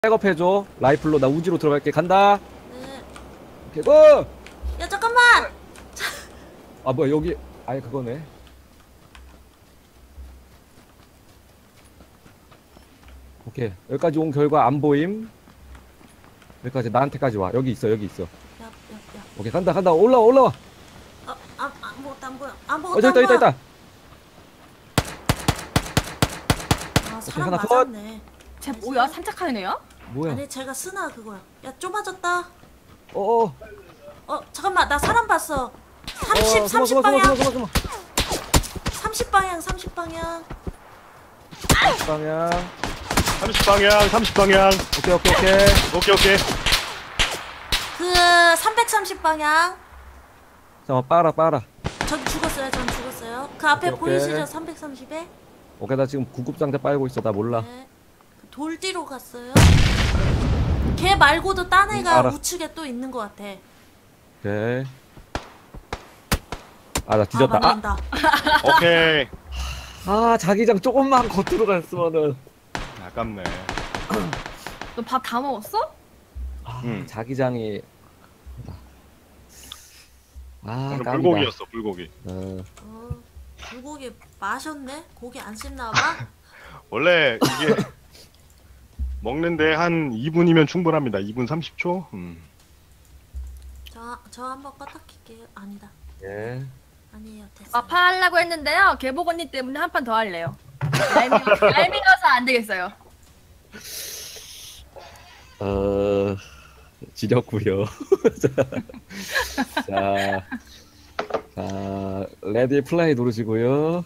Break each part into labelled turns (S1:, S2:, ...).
S1: 백업해줘. 라이플로 나 우지로 들어갈게. 간다.
S2: 네.
S1: 오케이 고!
S2: 야 잠깐만.
S1: 아 뭐야 여기 아예 그거네. 오케이 여기까지 온 결과 안 보임. 여기까지 나한테까지 와. 여기 있어 여기 있어.
S2: 야.
S1: 오케이 간다 간다. 올라와 올라와.
S2: 아무것도 안 보여. 아무것도
S1: 저기
S2: 안 보여.
S1: 있다.
S2: 아 사람
S1: 하나 컷.
S2: 맞았네.
S3: 쟤 뭐야? 산책하는 애야?
S1: 뭐야?
S2: 아니 제가 쓰나 그거야. 야 좁아졌다.
S1: 어어.
S2: 잠깐만 나 사람 봤어. 30 방향. 30 방향 30 방향.
S1: 방향.
S4: 30방향 30방향.
S1: 오케이.
S2: 그 330 방향.
S1: 잠깐만 빨아.
S2: 전 죽었어요. 그 앞에
S1: 오케이.
S2: 보이시죠? 330에.
S1: 오케이 나 지금 구급상자 빨고 있어. 나 몰라.
S2: 네. 돌 뒤로 갔어요. 걔 말고도 딴 애가
S1: 알아.
S2: 우측에 또 있는 것 같아.
S1: 오케이. 아 나 뒤졌다.
S2: 맞는다.
S4: 오케이.
S1: 아 자기장 조금만 겉으로 갔으면은.
S4: 아깝네.
S3: 너 밥 다 먹었어?
S1: 자기장이. 아
S4: 오늘
S1: 깜이다.
S4: 불고기였어 불고기.
S2: 불고기 마셨네? 고기 안 씹나 봐?
S4: 원래 이게 먹는데 한 2분이면 충분합니다. 2분 30초.
S2: 저 한번 껐다 킬게요. 아니다.
S1: 예.
S2: 아니에요. 됐어요.
S3: 마파 하려고 했는데요. 개복 언니 때문에 한 판 더 할래요. 얄미워서 안 되겠어요.
S1: 지렸구요. 자, 레디 플레이 누르시고요.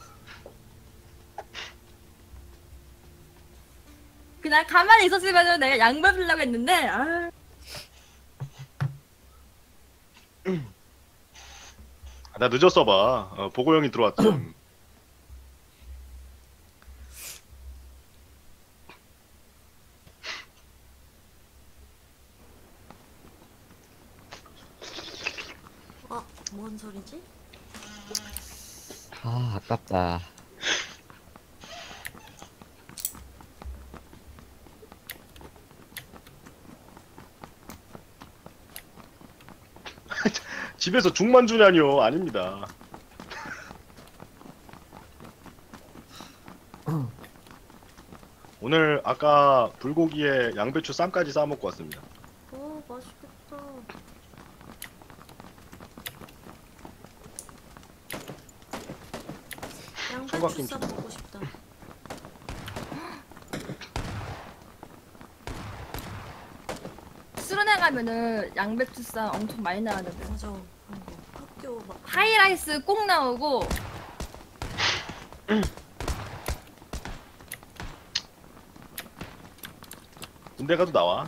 S3: 그냥 가만히 있었으면 내가 양말 쓰려고 했는데 아.
S4: 나 늦었어 봐. 보고 형이 들어왔죠.
S2: 뭔 소리지?
S1: 아, 아깝다.
S4: 집에서 죽만 주냐뇨. 아닙니다. 오늘 아까 불고기에 양배추 쌈까지 싸 먹고 왔습니다.
S2: 오 맛있겠다. 양배추
S4: 총각김치.
S2: 쌈 먹고 싶다.
S3: 수련회 가면은 양배추쌈 엄청 많이 나왔는데
S2: 맞아. 아이고, 학교 막
S3: 하이라이스 꼭 나오고
S4: 군대 가도 나와.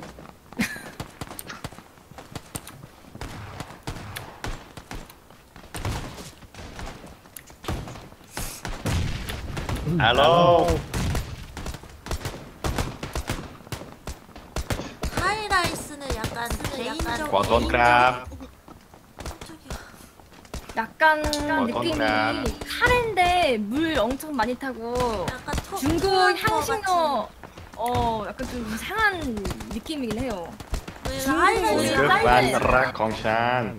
S4: 헬로.
S2: 하이라이스는 약간 개인적인
S4: 버선 크랍.
S3: 약간
S4: 어떤
S3: 느낌이
S4: 날?
S3: 카레인데 물 엄청 많이 타고
S2: 약간
S3: 중국
S2: 토마토
S3: 향신료 약간 좀 이상한 느낌이긴 해요.
S2: 같이.
S3: 중국
S2: 하이라이스
S3: 쌀 때.
S4: 락 공산.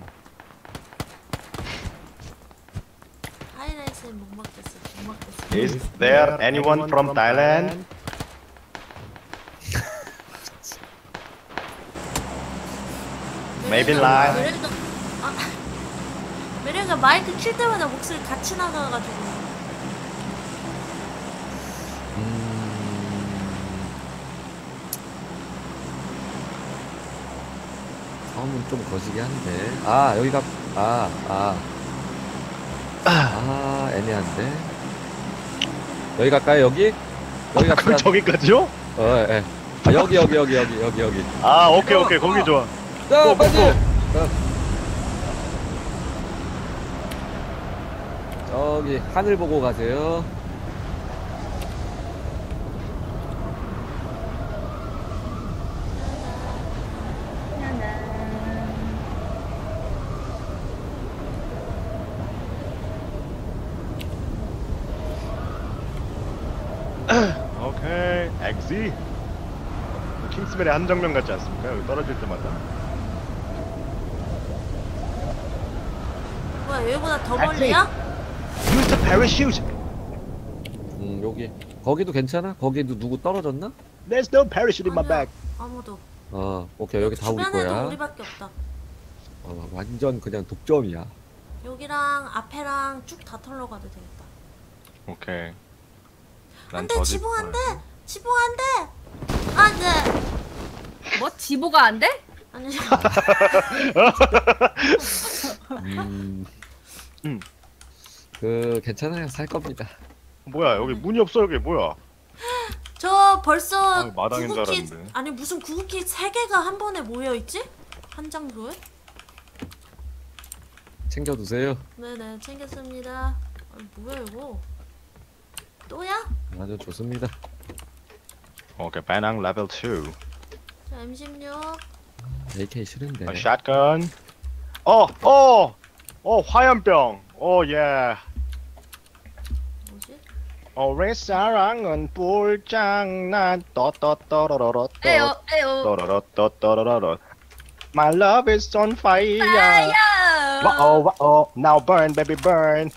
S2: 하이라이스는 못 먹겠어.
S4: Is there anyone from Thailand? Maybe live.
S2: 매력가 마이크 킬 때마다 목소리 같이 나가가지고.
S1: 처음은 좀 거시기 한데. 여기가 애매한데. 여기 갈까요? 여기 갑시다.
S4: 저기까지요?
S1: 예. 여기.
S4: 아 오케이 거기 좋아.
S1: 자, 빨리. 저기 하늘 보고 가세요.
S4: 오케이 엑시 킹스맨의 한정명 같지 않습니까? 여기 떨어질 때마다.
S2: 뭐야 여기보다 더 멀리야?
S4: Use the parachute.
S1: 여기 거기도 괜찮아? 거기도 누구 떨어졌나?
S4: There's no parachute in my
S2: 아니야.
S4: bag.
S2: 아무도.
S1: 오케이 여기 다 우리
S2: 주변에도
S1: 거야.
S2: 우리밖에 없다.
S1: 완전 그냥 독점이야.
S2: 여기랑 앞에랑 쭉 다 털러 가도 되겠다.
S4: 오케이.
S2: 안돼 지붕 안돼 지붕 안돼 안돼
S3: 뭐 지보가 안 돼?
S2: 아니
S1: 괜찮아요. 살 겁니다.
S4: 뭐야 여기 문이 없어 여기 뭐야?
S2: 저 벌써
S4: 마당인 줄
S2: 구급기
S4: 알았는데.
S2: 아니 무슨 구급기 3개가 한 번에 모여 있지? 한 장소에?
S1: 챙겨두세요.
S2: 네네 챙겼습니다. 아니 뭐야 이거? 또야?
S1: 아주 좋습니다.
S4: 오케이 배낭 레벨 2.
S2: 자 M16
S1: AK 싫은데.
S4: 샷건. 화염병. 예.
S2: 뭐지?
S4: 우리 사랑은 불장난 떠떠떠러러러
S3: 에요 에요.
S4: 떠러러떠떠러러. My love is on fire.
S3: 파이어.
S4: 와오 now burn baby burn.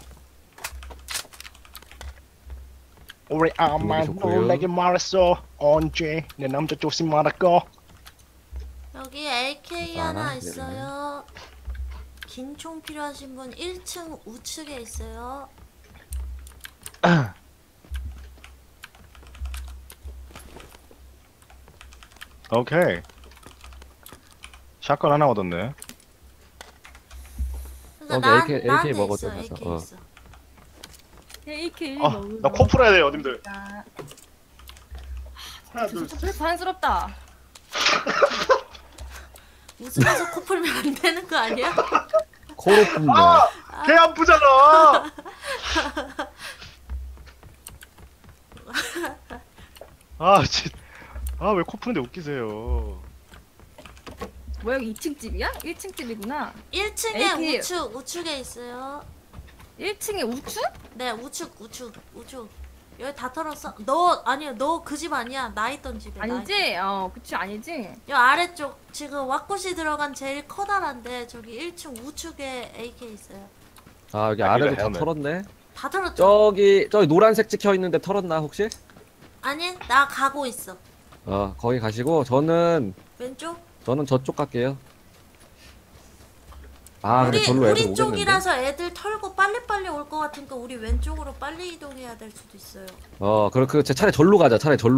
S4: 우리 아마
S1: 좋고요.
S4: 놀라게 말했어. 언제 내 남자 조심하라고.
S2: 여기 AK 하나
S1: 아,
S2: 있어요. 긴 총 필요하신 분 1층 우측에 있어요.
S4: 오케이. 샷건 하나 얻었네.
S2: 그러니까
S1: 여기 AK
S2: 나한테
S1: 먹어줘,
S2: 있어,
S1: 가서.
S2: AK 있어.
S3: AK
S4: 나 코 풀어야 돼요, 님들. 하나,
S3: 좀 부산스럽다.
S2: 웃으면서 코 풀면 안 되는 거 아니야?
S1: 코로 뿜다.
S4: 개 아프잖아. 왜 코 푸는데 웃기세요.
S3: 뭐야 여기 2층 집이야? 1층 집이구나.
S2: 1층에
S3: AK.
S2: 우측에 있어요.
S3: 1층에 우측?
S2: 네, 우측. 여기 다 털었어. 너 그 집 아니야. 나 있던 집에.
S3: 아니지? 그치 아니지?
S2: 여 아래쪽 지금 왁구시 들어간 제일 커다란데 저기 1층 우측에 AK 있어요.
S1: 여기
S4: 아,
S1: 아래도
S4: 이거
S1: 다
S4: 헤어맨.
S1: 털었네.
S2: 다 털었죠?
S1: 저기 노란색 찍혀 있는데 털었나 혹시?
S2: 아니, 나 가고 있어.
S1: 거기 가시고 저는
S2: 왼쪽?
S1: 저쪽 갈게요. 근데 절로 애들
S2: 우리
S1: 오겠는데.
S2: 쪽이라서 애들 털고 빨리빨리 올 것 같으니까 우리 왼쪽으로 빨리 이동해야 될 수도 있어요.
S1: 그렇게 차라리 절로 가자.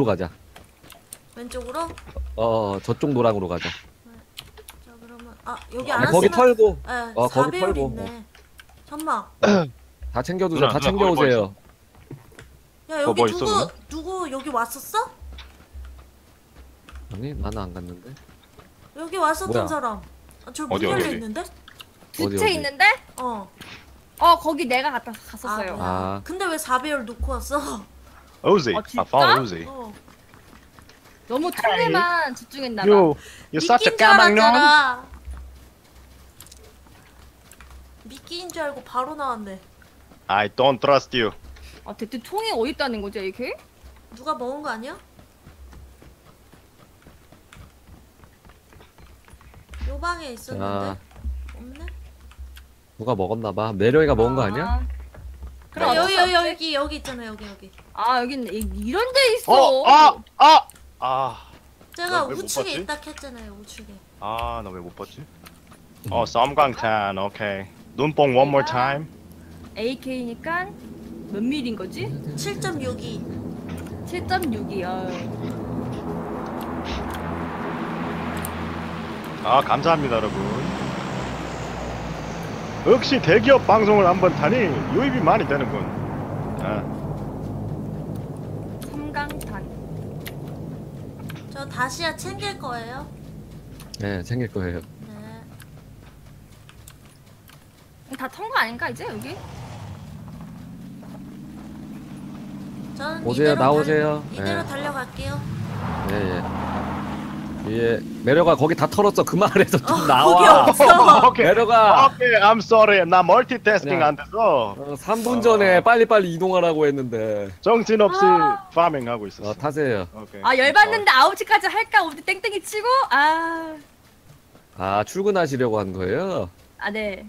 S2: 왼쪽으로?
S1: 저쪽 노랑으로 가자.
S2: 자, 그러면 여기
S1: 아니,
S2: 안
S1: 거기
S2: 왔으면
S1: 털고
S2: 네,
S1: 거기
S2: 4배율
S1: 털고,
S2: 있네. 잠만.
S1: 다 챙겨두세요.
S4: 누나,
S1: 다
S4: 누나, 거기 뭐
S1: 챙겨오세요.
S2: 야, 여기
S4: 뭐 있어,
S2: 누구 여기 왔었어?
S1: 아니 나는 안 갔는데.
S2: 여기 왔었던
S1: 뭐야?
S2: 사람. 저 문
S4: 어디,
S2: 열려
S4: 어디?
S2: 있는데?
S3: 두
S1: 어디,
S3: 채
S1: 어디?
S3: 있는데?
S2: 어.
S3: 거기 내가 갔었어요.
S2: 뭐야. 근데 왜 4배율 놓고 왔어?
S4: Uzi.
S3: 진짜?
S4: I found Uzi.
S3: 너무 통에만 집중했나봐.
S4: You such a
S2: 미끼인 줄
S4: 까막년.
S2: 알았잖아. 미끼인 줄 알고 바로 나왔네.
S4: I don't trust you.
S3: 대체 총이 어디 있다는 거지 AK?
S2: 누가 먹은 거 아니야? 요 방에 있었는데
S1: 자,
S2: 없네.
S1: 누가 먹었나봐. 내려이가 먹은 거 아니야?
S3: 그럼
S2: 아,
S3: 어쩔 수 없지.
S2: 여기 있잖아 여기.
S3: 여긴 이런 데 있어.
S2: 제가
S4: 왜 못
S2: 우측에
S4: 봤지?
S2: 있다 했잖아요 우측에.
S4: 나 왜 못 봤지? 썸광탄. 오케이. 눈뽕 one more time.
S3: AK니까 몇 밀인 거지?
S2: 7.62.
S3: 7.6이요.
S4: 감사합니다, 여러분. 역시 대기업 방송을 한번 타니 유입이 많이 되는군.
S3: 섬광탄.
S2: 저 다시야 챙길 거예요.
S1: 네, 챙길 거예요.
S2: 네.
S3: 다 턴 거 아닌가 이제 여기?
S2: 저는
S1: 오세요, 나오세요.
S2: 이대로
S1: 네.
S2: 달려갈게요.
S1: 예. 예, 매력아 거기 다 털었어. 그 말에서 좀
S2: 거기
S1: 나와.
S2: 없어.
S4: 오케이.
S1: 매력아.
S4: 오케이, I'm sorry. 나 멀티태스킹
S1: 그냥-
S4: 안 돼서
S1: 3분 전에 빨리빨리 이동하라고 했는데.
S4: 정신없이 파밍 하고 있었어.
S1: 타세요.
S4: 오케이.
S3: 아 열받는데 9시까지 할까? 우리 땡땡이 치고
S1: 아, 출근하시려고 한 거예요?
S3: 네.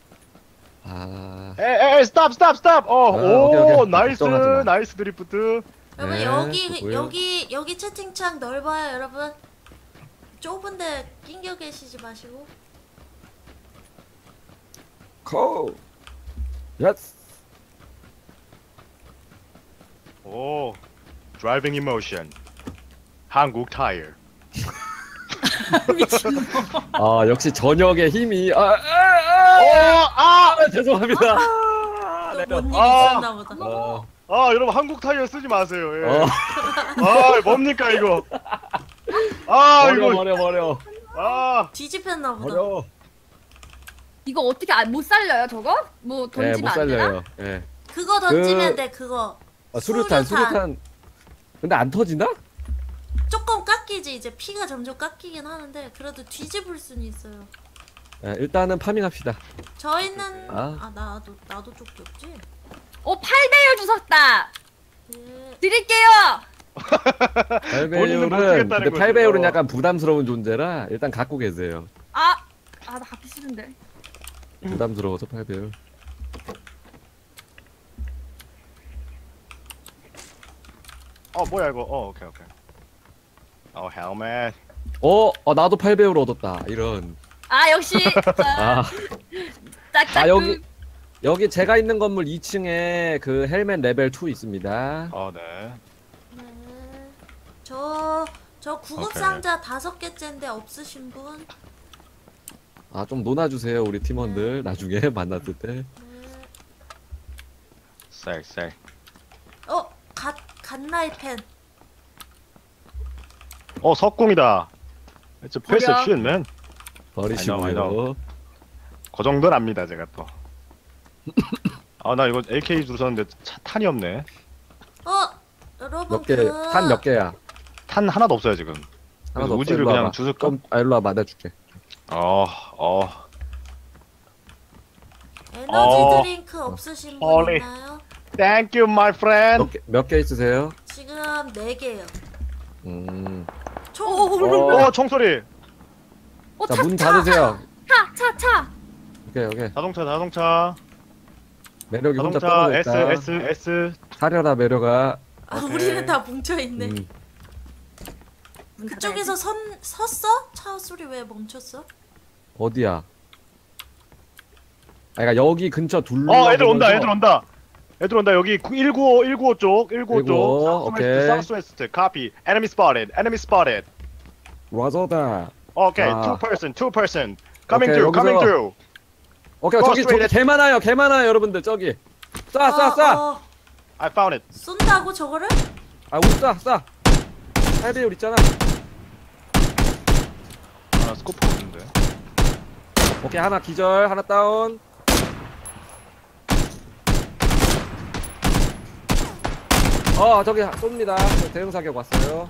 S1: 아,
S4: 에이, 스탑.
S1: 오케이.
S4: 나이스,
S1: 걱정하지 마.
S4: 나이스 드리프트.
S2: 여러분
S1: 네,
S2: 여기
S1: 좋고요.
S2: 여기 채팅창 넓어요 여러분. 좁은데 낑겨 계시지 마시고.
S1: 코. 예스.
S4: 오, 드라이빙 이모션. 한국 타이어.
S1: 아, 역시 저녁의 힘이. 죄송합니다.
S2: 또 뭔 일이
S4: 아.
S2: 있었나 보다.
S4: 여러분 한국 타이어 쓰지 마세요. 예.
S1: 어,
S4: 뭡니까 이거?
S1: 버려.
S2: 뒤집혔나 보다.
S1: 버려.
S3: 이거 어떻게 못 살려요 저거? 뭐
S1: 네,
S3: 던지면
S1: 못
S3: 안 되나?
S1: 살려요. 예.
S2: 그거 던지면
S1: 그-
S2: 돼 그거.
S1: 수류탄. 근데 안 터지나?
S2: 조금 깎이지 이제 피가 점점 깎이긴 하는데 그래도 뒤집을 수는 있어요.
S1: 예, 일단은 파밍합시다.
S2: 저희는
S1: 아.
S2: 나도 쪽지 없지.
S3: 8배율 주셨다.
S2: 예.
S3: 드릴게요.
S4: 본인은 못
S1: 8배율은
S4: 쓰겠다는
S1: 근데
S4: 거죠.
S1: 8배율은 약간 부담스러운 존재라 일단 갖고 계세요.
S3: 나 갖기 싫은데.
S1: 부담스러워서 8배율.
S4: 뭐야 이거? 오케이. 헬멧.
S1: 나도 8배율 얻었다. 이런.
S3: 역시
S1: 아,
S3: 짝짝.
S1: 여기 제가 있는 건물 2층에 그 헬멧 레벨 2 있습니다.
S4: 네.
S2: 네. 저 구급
S4: 오케이.
S2: 상자 5개째인데 없으신 분?
S1: 아, 좀 논아주세요, 우리 팀원들. 나중에 만났을 때.
S2: 네.
S4: 셀.
S2: 갓라이펜.
S4: 석궁이다. It's a piece of
S3: 버려.
S4: shit, man.
S1: 버리시고요.
S4: I know. 그 정도는 압니다, 제가 또. 나 이거 AK 주웠는데 탄이 없네.
S2: 여러분
S1: 몇 개, 탄 몇 개야?
S4: 탄 하나도 없어요 지금. 그래서
S1: 없어.
S4: 우지를
S1: 일로
S4: 그냥
S1: 와봐.
S4: 주술까?
S1: 일로 와봐, 내가 줄게.
S2: 에너지 드링크 없으신 분
S4: 헐리.
S2: 있나요?
S4: Thank you, my friend.
S1: 몇 개 있으세요?
S2: 지금 4개요.
S1: 어,
S4: 총소리.
S1: 자, 문 닫으세요.
S3: 차.
S1: 오케이.
S4: 자동차.
S1: 매력이 혼자
S4: 자동차.
S1: 떨어져 있다.
S4: S.
S1: 사려라, 매력아.
S2: 우리는
S4: 오케이.
S2: 다 뭉쳐있네.
S3: 문
S2: 그쪽에서 섰어? 차 소리 왜 멈췄어?
S1: 어디야? 그러니까 여기 근처 둘러.
S4: 애들 온다. 여기 195 쪽. 195 쪽.
S1: 오케이.
S4: Southwest. Copy. Enemy spotted.
S1: 와서다.
S4: Okay,
S1: 아.
S4: two person. Coming
S1: 오케이,
S4: through.
S1: 여기서. 오케이, 저기 개 많아요, 여러분들 저기. 쏴.
S4: I found it.
S2: 쏜다고 저거를?
S1: 아, 우리 쏴. 8배율 있잖아.
S4: 스코프 없는데.
S1: 오케이, 하나 기절, 하나 다운. 저기 쏩니다. 대응 사격 왔어요.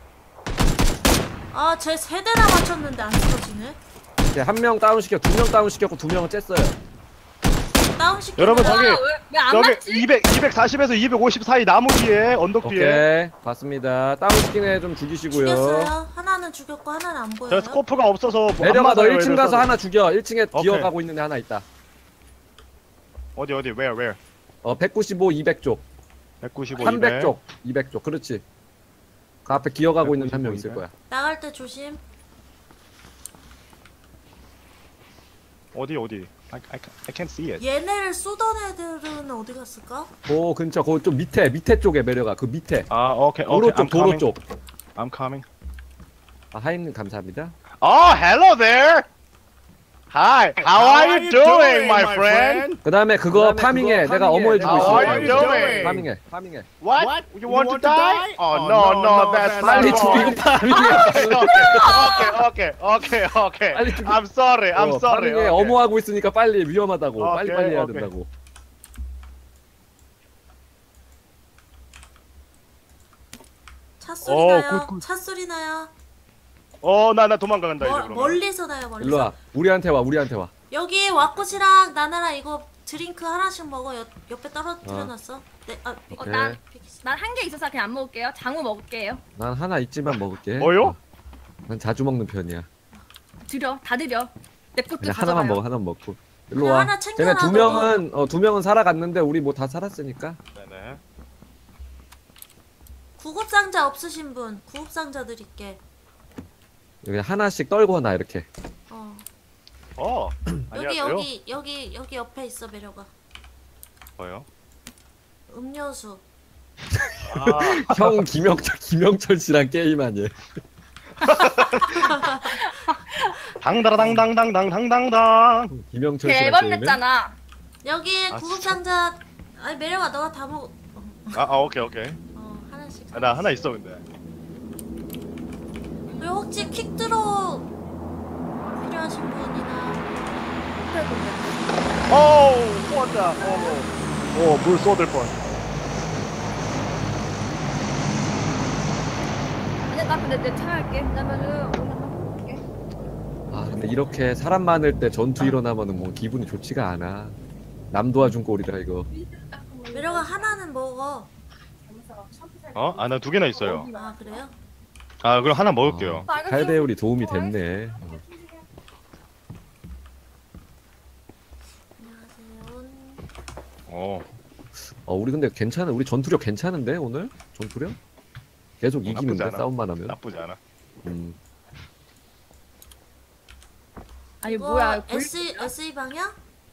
S2: 쟤 3대나 맞췄는데 안 쓰러지네.
S1: 오케이, 한 명 다운 시켰고, 2명 다운 시켰고, 2명은 쬐어요.
S2: 다운시켜.
S4: 여러분, 저기-
S3: 왜안
S4: 저기
S3: 맞지?
S4: 240에서 250 사이 나무 뒤에 언덕 뒤에.
S1: 오케이, 봤습니다. 다운 시킨 애 좀 죽이시고요.
S2: 죽였어요. 하나는 죽였고 하나는 안 보여요.
S4: 저 스코프가 없어서 뭐
S1: 내려가,
S4: 안
S1: 너
S4: 맞아요,
S1: 1층
S4: 얘들
S1: 가서
S4: 서로.
S1: 하나 죽여. 1층에
S4: 오케이.
S1: 기어가고 있는 애 하나 있다.
S4: 어디 where
S1: 195, 200쪽.
S4: 195
S1: 300쪽, 200쪽. 그렇지. 그 앞에 기어가고 있는 한 명
S4: 195,
S1: 있을 거야.
S2: 나갈 때 조심.
S4: 어디 I can't see it.
S2: 얘네를 쏘던 애들은 어디 갔을까?
S1: 그 근처, 그 좀 밑에 쪽에 매려가. 그 밑에.
S4: 오케이
S1: 도로 쪽,
S4: I'm
S1: 도로
S4: coming.
S1: 쪽.
S4: I'm coming.
S1: 하임님 감사합니다.
S4: Hello there. Hi. How are you doing, my friend?
S1: 그 다음에 그거 파밍해. 내가 어머해주고
S4: How
S1: 있어.
S4: are you doing?
S1: 파밍해.
S4: What? You want to die? No, that's
S1: 빨리
S4: not
S1: 죽이고
S4: right.
S1: 파밍해.
S4: Okay.
S1: 빨리 죽이-
S4: I'm sorry.
S1: 파밍해.
S4: Okay.
S1: 어머하고 있으니까 빨리 위험하다고.
S4: 오케이,
S1: 빨리 해야
S4: 오케이.
S1: 된다고.
S2: 차 소리 나요.
S4: 굿.
S2: 차 소리 나요.
S4: 나 도망간다 이제 그러면.
S2: 멀리서 나요 멀리서.
S1: 일로 와. 우리한테 와. 우리한테 와.
S2: 여기 와꾸치랑 나나랑 이거 드링크 하나씩 먹어. 옆에 떨어뜨려놨어. 네,
S1: 오케이.
S3: 난 한 개 있어서 그냥 안 먹을게요. 장우 먹을게요.
S1: 난 하나 있지만 먹을게.
S4: 뭐요?
S1: 난 자주 먹는 편이야.
S3: 드려, 다 드려. 내 것도
S1: 그냥
S3: 가져가요.
S1: 하나만 먹어. 하나만 먹고. 일로
S2: 그냥
S1: 와.
S2: 하나 챙겨놔,
S1: 쟤네 두 명은 두 명은 살아갔는데 우리 뭐 다 살았으니까.
S4: 네네.
S2: 구급상자 없으신 분 구급상자 드릴게.
S1: 그냥 하나씩 떨고 나 이렇게.
S2: 여기
S4: 안녕하세요.
S2: 여기 옆에 있어 매력아.
S4: 뭐요?
S2: 음료수.
S4: 아,
S1: 형 김영철 씨랑 게임하니.
S4: 당다라당당당당당당.
S1: 김영철
S3: 걔
S1: 씨랑
S3: 앨범
S1: 게임해?
S3: 냈잖아.
S2: 여기
S4: 아,
S2: 구급상자. 아니 매력아 너가 다 먹어.
S4: 오케이.
S2: 하나씩.
S4: 나 하나 있어 근데.
S2: 그리고 혹시 퀵드로 필요하신 분이나.
S4: 왔다. 물 쏟을 뻔.
S3: 아니 나 근데 내 차 할게. 왜냐면은 오늘 한번 볼게.
S1: 아 근데 이렇게 사람 많을 때 전투 일어나면은 뭐 기분이 좋지가 않아. 남 도와준 꼴이다 이거.
S2: 매력아 하나는 먹어.
S4: 나 두 개나 있어요.
S2: 아 그래요?
S4: 그럼 하나 먹을게요.
S1: 칼배울이 도움이 됐네.
S2: 안녕하세요.
S1: 우리 근데 괜찮아. 우리 전투력 괜찮은데 오늘? 전투력? 계속
S4: 나쁘지
S1: 이기는데
S4: 않아.
S1: 싸움만 하면.
S4: 나쁘지 않아.
S3: 아니
S2: 이거
S3: 뭐야?
S2: SE 방향?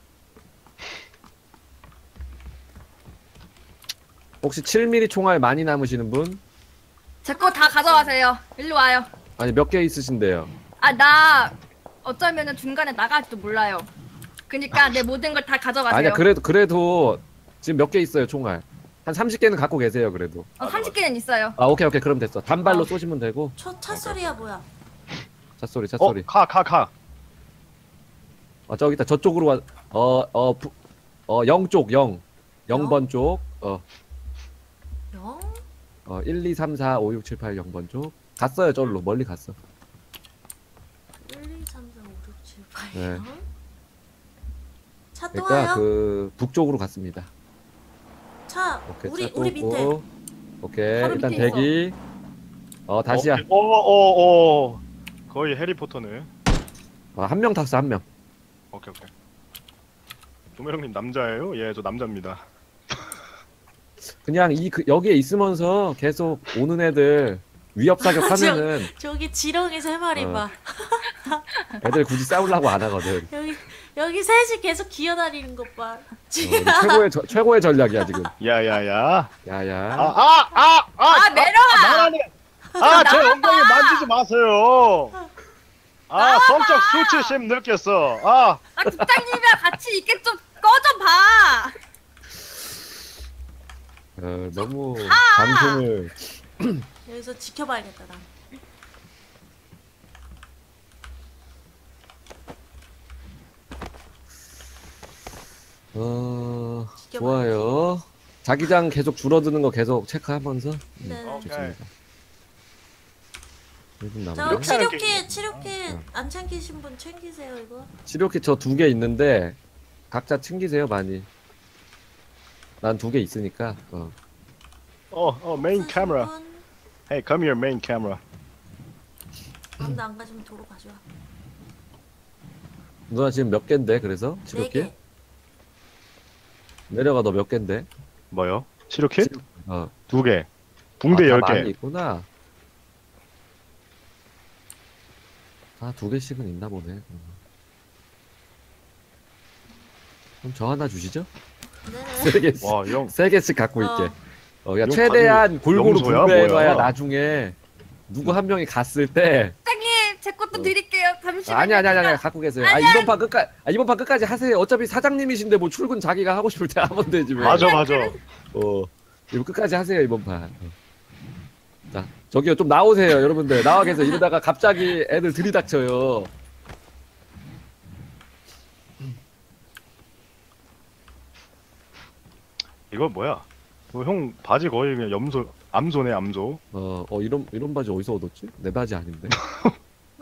S1: 혹시 7mm 총알 많이 남으시는 분?
S3: 제 거 다 가져가세요. 일로 와요.
S1: 아니 몇 개 있으신데요?
S3: 나 어쩌면은 중간에 나갈지도 몰라요. 그니까 내 모든 걸 다 가져가세요.
S1: 아니야 그래도 지금 몇 개 있어요 총알? 한 30개는 갖고 계세요 그래도.
S3: 30개는 있어요.
S1: 오케이 그럼 됐어. 단발로 쏘시면 되고.
S2: 차 소리야 뭐야?
S1: 찻소리.
S4: 카.
S1: 저기 있다. 저쪽으로 와. 0 쪽, 0번 쪽.
S2: 영?
S1: 1, 2, 3, 4, 5, 6, 7, 8, 0번 쪽. 갔어요, 저로 멀리 갔어.
S2: 1, 2, 3, 4, 5, 6, 7, 8.
S1: 네.
S2: 차 또
S1: 그러니까
S2: 와요?
S1: 그 북쪽으로 갔습니다.
S2: 차
S1: 오케이,
S2: 우리
S1: 차 또
S2: 우리 밑에.
S1: 없고. 오케이,
S3: 바로
S1: 일단
S3: 밑에
S1: 대기. 다시야.
S4: 거의 해리포터네.
S1: 한 명 탔어, 한 명.
S4: 오케이. 조매령님 남자예요? 예, 저 남자입니다.
S1: 그냥 여기에 있으면서 계속 오는 애들 위협 사격하면은
S2: 저기 지렁이 세 마리
S1: 어.
S2: 봐.
S1: 애들 굳이 싸우려고 안 하거든.
S2: 여기 셋이 계속 기어다니는 것 봐.
S1: 우리 최고의 전략이야 지금.
S4: 야야야.
S1: 야야.
S3: 매력아!
S4: 제 엉덩이 만지지 마세요. 성적 수치심 느꼈어.
S3: 국장님이랑 같이 있게 좀 꺼져 봐.
S1: 너무 방송을.
S2: 여기서 지켜봐야겠다 나.
S1: 좋아요. 자기장 계속 줄어드는 거 계속 체크하면서.
S2: 네.
S1: 좋습니다. 1분
S2: 저
S1: 남았네.
S2: 치료킷 안 챙기신 분 챙기세요 이거.
S1: 치료킷 저 2개 있는데 각자 챙기세요 많이. 난 2개 있으니까.
S4: 메인 카메라. Hey, come here, main camera.
S2: 아무도 안 가시면 도로 가져와.
S1: 누나 지금 몇 개인데 그래서
S2: 네
S1: 치료킷?
S2: 개.
S1: 내려가 너 몇 개인데?
S4: 뭐요? 치료킷?
S1: 어.
S4: 2개. 붕대
S1: 다
S4: 10개.
S1: 많이 있구나. 2개씩은 있나 보네. 그럼 저 하나 주시죠?
S2: 네네.
S1: 3개씩.
S4: 와, 형.
S1: 3개씩 갖고 있게. 야,
S4: 이거
S1: 최대한 골고루
S4: 염소야,
S1: 분배해놔야
S4: 뭐야?
S1: 나중에 누구 한 명이 갔을 때.
S3: 국장님 제 것도 드릴게요. 잠시만요.
S1: 아니, 갖고 계세요. 이번 판 끝까지 하세요. 어차피 사장님이신데 뭐 출근 자기가 하고 싶을 때 하면 되지 왜.
S4: 맞아.
S1: 이거 끝까지 하세요, 이번 판. 자, 저기요, 좀 나오세요, 여러분들. 나와 계세요. 이러다가 갑자기 애들 들이닥쳐요.
S4: 이거 뭐야? 형 바지 거의 그냥 암소네, 암소.
S1: 이런 바지 어디서 얻었지? 내 바지 아닌데.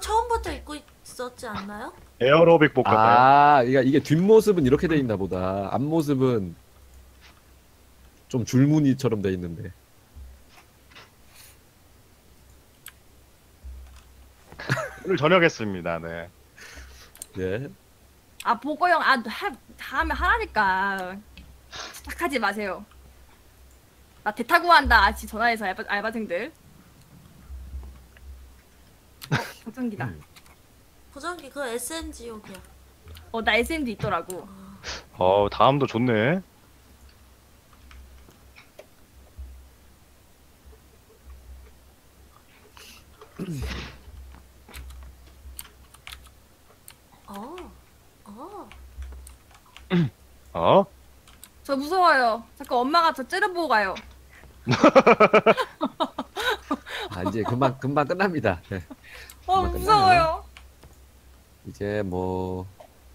S2: 처음부터 입고 있었지 않나요?
S4: 에어로빅 복 같아요.
S1: 아, 이게 뒷모습은 이렇게 돼 있나 보다. 앞모습은 좀 줄무늬처럼 돼 있는데.
S4: 오늘 저녁 했습니다. 네.
S1: 예.
S3: 아 보고 형, 다음에 하라니까. 착하지 마세요. 나 대타구 한다. 아직 전화해서 알바생들. 보정기다.
S2: 보정기 그거 SMG용이야.
S3: 나 SM도 있더라고.
S4: 다음도 좋네.
S2: 어. 어.
S4: 어?
S3: 저 무서워요. 자꾸 엄마가 저 째려보고 가요.
S1: 아, 이제 금방 끝납니다. 예. 금방 끝나요.
S3: 무서워요.
S1: 이제 뭐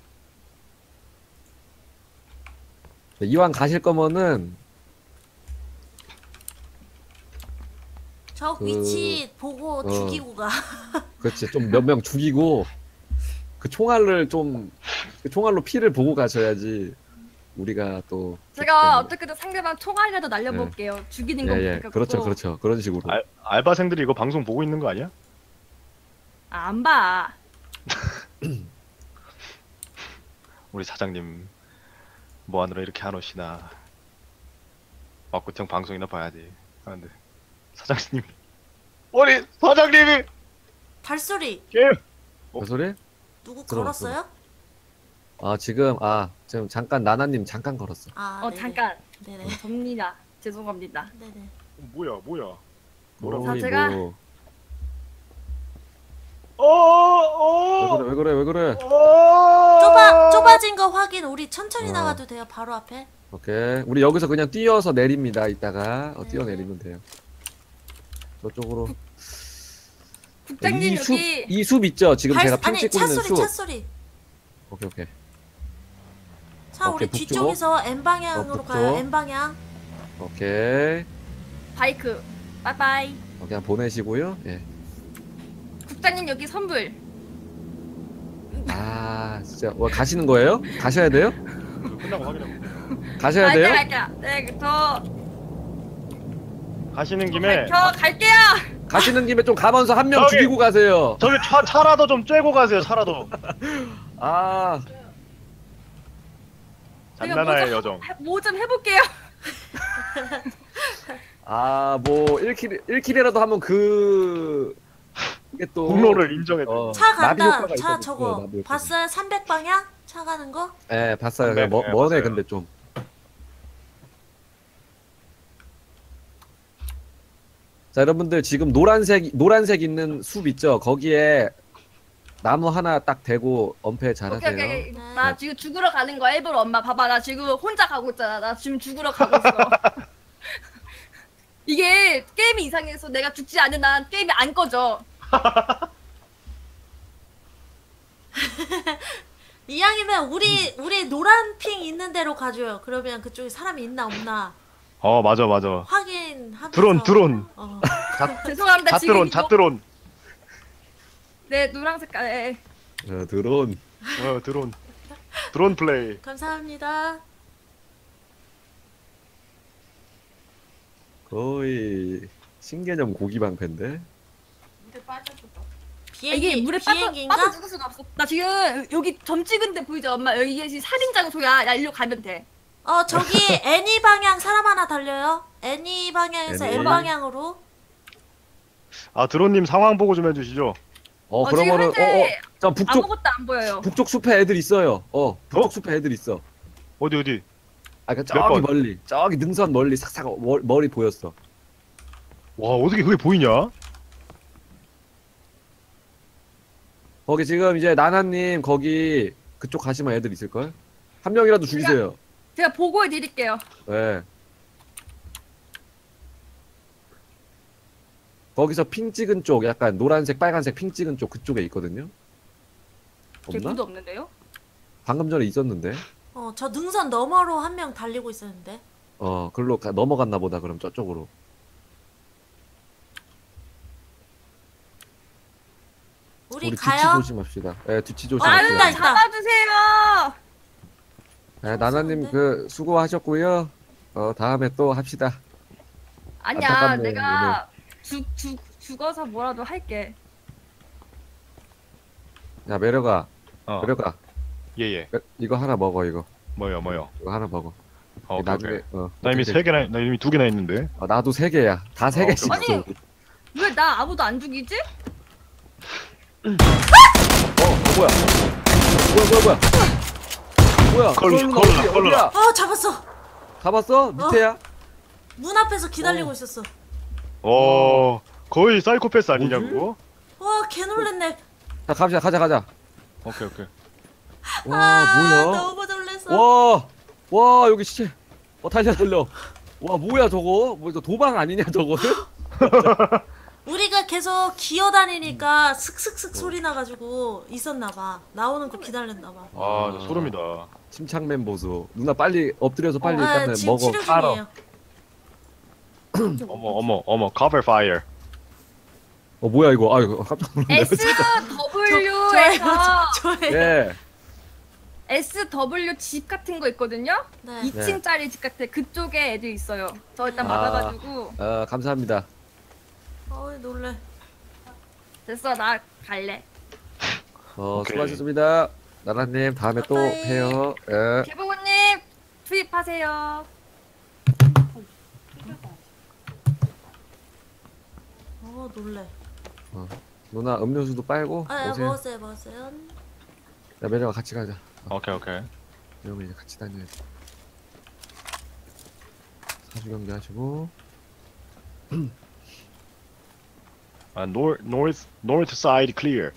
S1: 네, 이왕 가실 거면은
S2: 저
S1: 그-
S2: 위치 보고
S1: 어.
S2: 죽이고 가.
S1: 그렇지, 좀 몇 명 죽이고 그 총알로 피를 보고 가셔야지 우리가 또
S3: 제가
S1: 그렇기
S3: 어떻게든 상대방 총알이라도 날려볼게요. 죽이는 건
S1: 때문에. 예, 예.
S3: 못하겠고.
S1: 그렇죠, 그런 식으로.
S4: 알바생들이 이거 방송 보고 있는 거 아니야?
S3: 안 봐.
S4: 우리 사장님 뭐 하느라 이렇게 안 오시나. 막구청 방송이나 봐야지. 아, 근데 사장님이 우리 사장님이
S2: 발소리
S4: 게임
S1: 그 소리?
S2: 누구
S1: 들어,
S2: 걸었어요?
S1: 지금 잠깐 나나님 잠깐 걸었어.
S2: 아, 네네.
S3: 잠깐.
S2: 네네.
S3: 접니다. 죄송합니다.
S2: 네네.
S4: 뭐야?
S1: 뭐라고?
S3: 자, 제가-
S1: 뭐.
S4: 어.
S1: 왜 그래?
S2: 좁아진 거 확인. 우리 천천히
S1: 어.
S2: 나가도 돼요. 바로 앞에.
S1: 오케이. 우리 여기서 그냥 뛰어서 내립니다. 이따가
S2: 네.
S1: 뛰어내리면 돼요. 저쪽으로.
S3: 국장님 여기
S1: 이 숲 있죠? 지금 제가 핑
S2: 아니
S1: 찍고 있는
S2: 차소리
S1: 숲.
S2: 차소리.
S1: 오케이.
S2: 차 우리
S1: 오케이, 북쪽.
S2: 뒤쪽에서 N 방향으로
S1: 북쪽.
S2: 가요. N 방향.
S1: 오케이.
S3: 바이크. 빠이빠이.
S1: 그냥 보내시고요. 예.
S3: 국장님 여기 선불.
S1: 아, 진짜 가시는 거예요? 가셔야 돼요?
S4: 끝나고 확인해.
S1: 가셔야 돼요?
S3: 갈게요. 네,
S4: 가시는 김에
S3: 저 갈게요.
S1: 가시는 김에 좀 가면서 한 명
S4: 저기!
S1: 죽이고 가세요.
S4: 저기 차라도 좀 쬐고 가세요. 차라도.
S1: 아,
S4: 장난아의 여정.
S3: 뭐 좀 해볼게요.
S1: 뭐 1킬이라도 하면 이게 또
S4: 공로를 인정해.
S2: 차
S1: 나비
S2: 간다.
S1: 효과가
S2: 차
S1: 있거든요.
S2: 저거
S1: 나비 효과가.
S2: 봤어요? 300 방향? 차 가는 거?
S1: 예, 봤어요.
S4: 네,
S1: 그냥
S4: 네,
S1: 머네
S4: 봤어요.
S1: 근데 좀. 자, 여러분들 지금 노란색 있는 숲 있죠? 거기에 나무 하나 딱 대고 엄폐 잘하세요.
S3: 오케이.
S2: 네.
S3: 나 지금 죽으러 가는 거야. 일부러 엄마 봐봐. 나 지금 혼자 가고 있잖아. 나 지금 죽으러 가고 있어. 이게 게임이 이상해서 내가 죽지 않는 한 게임이 안 꺼져.
S2: 이왕이면 우리 노란 핑 있는 데로 가줘요. 그러면 그쪽에 사람이 있나 없나
S4: 맞아.
S2: 확인하면서.
S4: 드론.
S2: 어.
S3: 죄송합니다. 지금
S4: 잣드론.
S3: 네, 노랑 색깔. 네.
S1: 드론.
S4: 드론 플레이.
S2: 감사합니다.
S1: 거의 신개념 고기 방패인데.
S3: 이게 물에
S2: 비행기인가?
S3: 빠져 죽을 수가 없어. 나 지금 여기 점 찍은데 보이죠, 엄마? 여기 지금 살인 장소야. 나 일로 가면 돼.
S2: 저기 애니 방향 사람 하나 달려요. 애니 방향에서
S1: 애니.
S2: N 방향으로.
S4: 드론님 상황 보고 좀 해주시죠.
S3: 지금
S1: 그러면은
S3: 현재
S1: 저 북쪽
S3: 아무것도 안 보여요.
S1: 북쪽 숲에 애들 있어요. 북쪽 숲에 애들 있어.
S4: 어디?
S1: 그
S4: 몇
S1: 저기
S4: 번?
S1: 멀리, 저기 능선 멀리 싹싹 머리 보였어.
S4: 와, 어떻게 그게 보이냐?
S1: 거기 지금 이제 나나님 거기 그쪽 가시면 애들 있을 걸. 한 명이라도 죽이세요.
S3: 제가 보고해 드릴게요.
S1: 네. 거기서 핑 찍은 쪽, 약간 노란색, 빨간색 핑 찍은 쪽 그쪽에 있거든요. 없나?
S3: 개구도 없는데요?
S1: 방금 전에 있었는데.
S2: 저 능선 너머로 한 명 달리고 있었는데.
S1: 글로 넘어갔나 보다. 그럼 저쪽으로.
S2: 우리
S1: 뒤치
S2: 가요?
S1: 조심합시다. 예, 뒤치
S2: 있다,
S1: 조심합시다.
S2: 있다.
S3: 잡아주세요.
S1: 예, 나나님 그 수고하셨고요. 다음에 또 합시다.
S3: 아니야,
S1: 안타깝네요,
S3: 내가 죽어서 뭐라도 할게.
S1: 야, 매력아,
S4: 어.
S1: 매력아,
S4: 예예.
S1: 이거 하나 먹어, 이거.
S4: 뭐요?
S1: 이거 하나 먹어.
S4: 오케이,
S1: 나중에,
S4: 오케이. 나 이미
S1: 어떻게 돼?
S4: 나 이미 2개나 있는데.
S1: 나도 3개야. 다 3개씩
S3: 오케이.
S1: 있어.
S3: 아니. 왜 나 아무도 안 죽이지?
S1: 뭐야? 뭐야?
S4: 걸로,
S1: 콜로나
S4: 걸로,
S1: 어디,
S4: 걸로.
S1: 어디야?
S2: 잡았어.
S1: 잡았어? 밑에야?
S2: 문 앞에서 기다리고 있었어.
S4: 거의 사이코패스 아니냐
S1: 뭐지?
S4: 그거?
S2: 와, 개 놀랬네.
S1: 자, 가자.
S4: 오케이.
S1: 와, 뭐야?
S2: 너무 놀랬어.
S1: 와, 여기 시체. 달려. 와, 뭐야, 저거? 뭐, 저 도방 아니냐, 저거는?
S2: 우리가 계속 기어다니니까 슥슥슥 소리 나가지고 있었나봐. 나오는 거 기다렸나봐.
S4: 아, 소름이다.
S1: 침착맨 보수. 누나 빨리 엎드려서 빨리 일단은
S2: 지금
S1: 먹어.
S2: 치료
S1: 깔아.
S2: 중이에요.
S4: 어머, cover fire.
S1: 뭐야, 이거. 아이고, 깜짝 놀랐네.
S3: SW에서
S2: 저예요.
S1: 예.
S3: SW 집 같은 거 있거든요?
S2: 네.
S3: 2층짜리 집 같아. 그쪽에 애들 있어요. 저 일단
S1: 아.
S3: 막아가지고.
S1: 감사합니다.
S2: 어이, 놀래.
S3: 됐어, 나 갈래.
S4: 오케이.
S1: 수고하셨습니다. 나라님, 다음에 또
S2: 바이바이.
S1: 해요. 예.
S3: 개보고님 투입하세요.
S2: 놀래.
S1: 누나 음료수도 빨고 오세요.
S2: 먹었어요.
S1: 야, 매력아 같이 가자.
S4: 오케이.
S1: 이러면 이제 같이 다녀야지. 사주 경기 하시고.
S4: North side clear.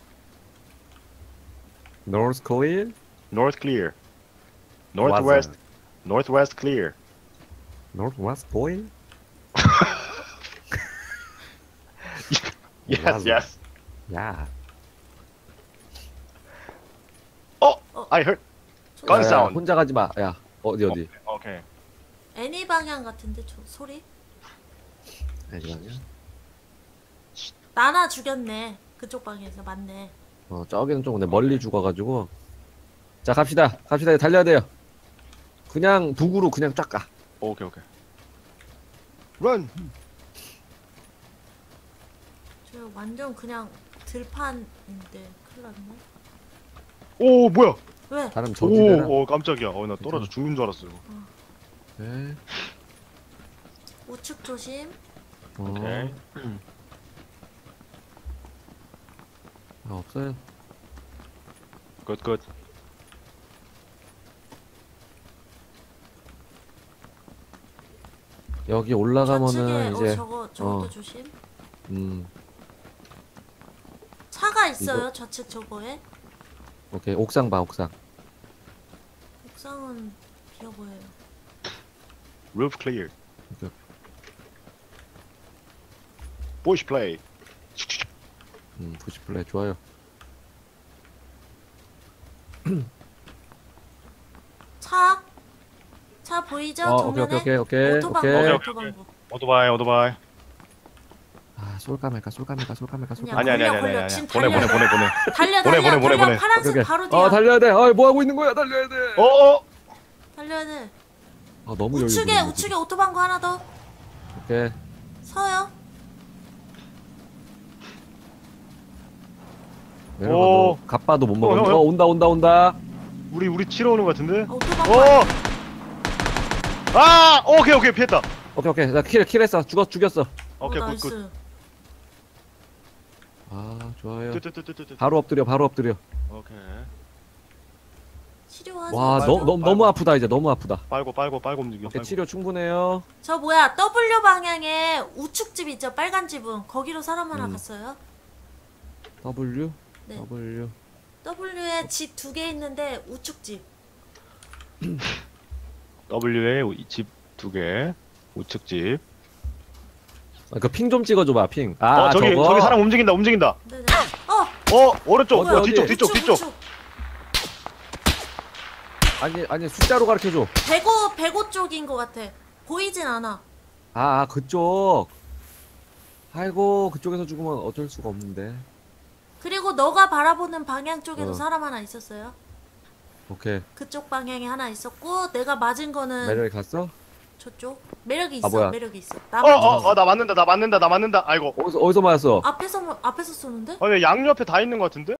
S1: North Korea?
S4: North clear.
S1: 맞아.
S4: Northwest clear.
S1: Northwest Korea?
S4: Yes.
S1: 야.
S4: I heard gun
S1: 야,
S4: sound.
S1: 혼자 가지 마. 야, 어디?
S4: 오케이.
S2: 애니 방향 같은데 저 소리?
S1: 아니야.
S2: 나나 죽였네. 그쪽 방향에서 맞네.
S1: 저기는 좀 근데 멀리 죽어가지고. 자, 갑시다. 달려야 돼요. 그냥 북으로 그냥 쫙 가.
S4: 오케이. Run.
S2: 저 완전 그냥 들판인데 큰일 났네.
S4: 오, 뭐야?
S2: 왜?
S1: 사람 저지대라.
S4: 오, 깜짝이야. 나 떨어져 죽는 줄 알았어.
S1: 네.
S2: 우측 조심.
S4: 오케이.
S1: 없어요.
S4: 굿.
S1: 여기 올라가면은
S2: 좌측에
S1: 이제
S2: 저것도 조심.
S1: 음,
S2: 차가 있어요. 좌측 저거에.
S1: 오케이. 옥상 봐, 옥상.
S2: 옥상은 비어 보여요.
S4: Roof clear.
S1: 오케이.
S4: Bush play.
S1: 부시플레이 좋아요.
S2: 차 보이죠?
S1: 오케이.
S2: 정면에? 오토방구.
S1: 오케이.
S2: 오토방구.
S4: 오토바이.
S1: 쏠까 말까.
S2: 아니야. 지금
S4: 보내.
S2: 달려.
S4: 보내.
S2: 파란색
S1: 오케이.
S2: 바로 뒤야.
S1: 달려야 돼. 뭐 하고 있는 거야? 달려야 돼.
S2: 달려야 돼.
S1: 너무 여유
S2: 우측에 오토방구 하나 더.
S1: 오케이.
S2: 서요.
S1: 내려가.
S4: 오.
S1: 갑바도 못 먹었네.
S4: 형.
S1: 온다.
S4: 우리 치러 오는 거 같은데?
S2: 오토방구.
S4: 오케이. 피했다.
S1: 오케이. 나 킬했어. 죽였어.
S4: 오케이,
S2: 나이스.
S4: 굿.
S1: 좋아요.
S4: 뜨뜨뜨뜨뜨.
S1: 바로 엎드려.
S4: 오케이.
S2: 치료하세요.
S1: 와,
S4: 빨고,
S1: 너무 아프다 이제. 너무 아프다.
S4: 빨고 움직여.
S1: 오케이, 치료 충분해요.
S2: 저 뭐야 W 방향에 우측 집 있죠? 빨간 집은 거기로 사람 하나 갔어요.
S1: W.
S2: 네.
S1: W.
S2: W에 집 2개 있는데 우측 집.
S4: W에 집 2개. 우측 집.
S1: 그 핑 좀 찍어줘봐. 핑.
S4: 저기
S1: 저거.
S4: 사람 움직인다.
S2: 네네.
S4: 오른쪽.
S1: 어디?
S4: 뒤쪽.
S2: 우측.
S1: 아니 숫자로 가르쳐줘.
S2: 105 쪽인 것 같아. 보이진 않아.
S1: 그쪽. 아이고, 그쪽에서 죽으면 어쩔 수가 없는데.
S2: 그리고 너가 바라보는 방향 쪽에도
S1: 어.
S2: 사람 하나 있었어요.
S1: 오케이.
S2: 그쪽 방향에 하나 있었고 내가 맞은 거는
S1: 매력이 갔어?
S2: 저쪽. 매력이 있어.
S1: 뭐야?
S2: 매력이 있어. 나 맞은
S4: 나 맞는다. 아이고.
S1: 어디서 맞았어?
S2: 앞에서 쏘는데?
S4: 왜 양옆에 다 있는 것 같은데?